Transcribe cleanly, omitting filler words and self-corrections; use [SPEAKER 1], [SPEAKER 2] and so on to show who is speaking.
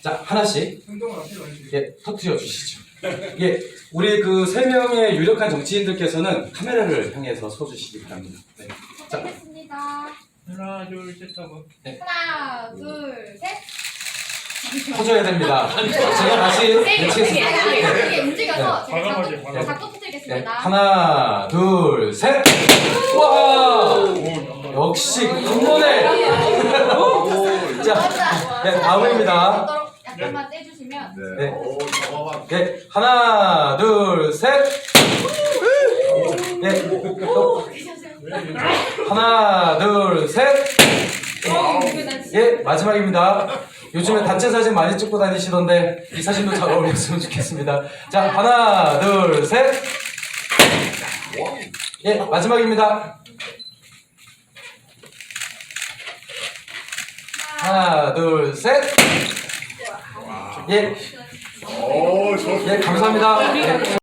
[SPEAKER 1] 자, 하나씩 예, 터트려 주시죠. 예, 우리 그 세 명의 유력한 정치인들께서는 카메라를 향해서 서주시기 바랍니다. 네. 자,
[SPEAKER 2] 시작하겠습니다.
[SPEAKER 3] 하나 둘 셋 하고.
[SPEAKER 2] 하나, 둘, 셋.
[SPEAKER 1] 터져야 됩니다. 제가 다시 외치겠습니다.
[SPEAKER 2] 이게 움직여서 제가
[SPEAKER 3] 과감하게,
[SPEAKER 2] 작곡
[SPEAKER 1] 네,
[SPEAKER 2] 터뜨리겠습니다.
[SPEAKER 1] 하나, 둘, 셋. 와, 역시 한 번에. 자, 네, 다음입니다.
[SPEAKER 2] 약간만 떼주시면.
[SPEAKER 1] 네. 네, 하나, 둘, 셋. 네, 또 하나, 둘, 셋. 예, 마지막입니다. 요즘에 단체 사진 많이 찍고 다니시던데 이 사진도 잘 어울렸으면 좋겠습니다. 자, 하나, 둘, 셋. 예, 마지막입니다. 하나, 둘, 셋. 예, 예, 감사합니다. 예.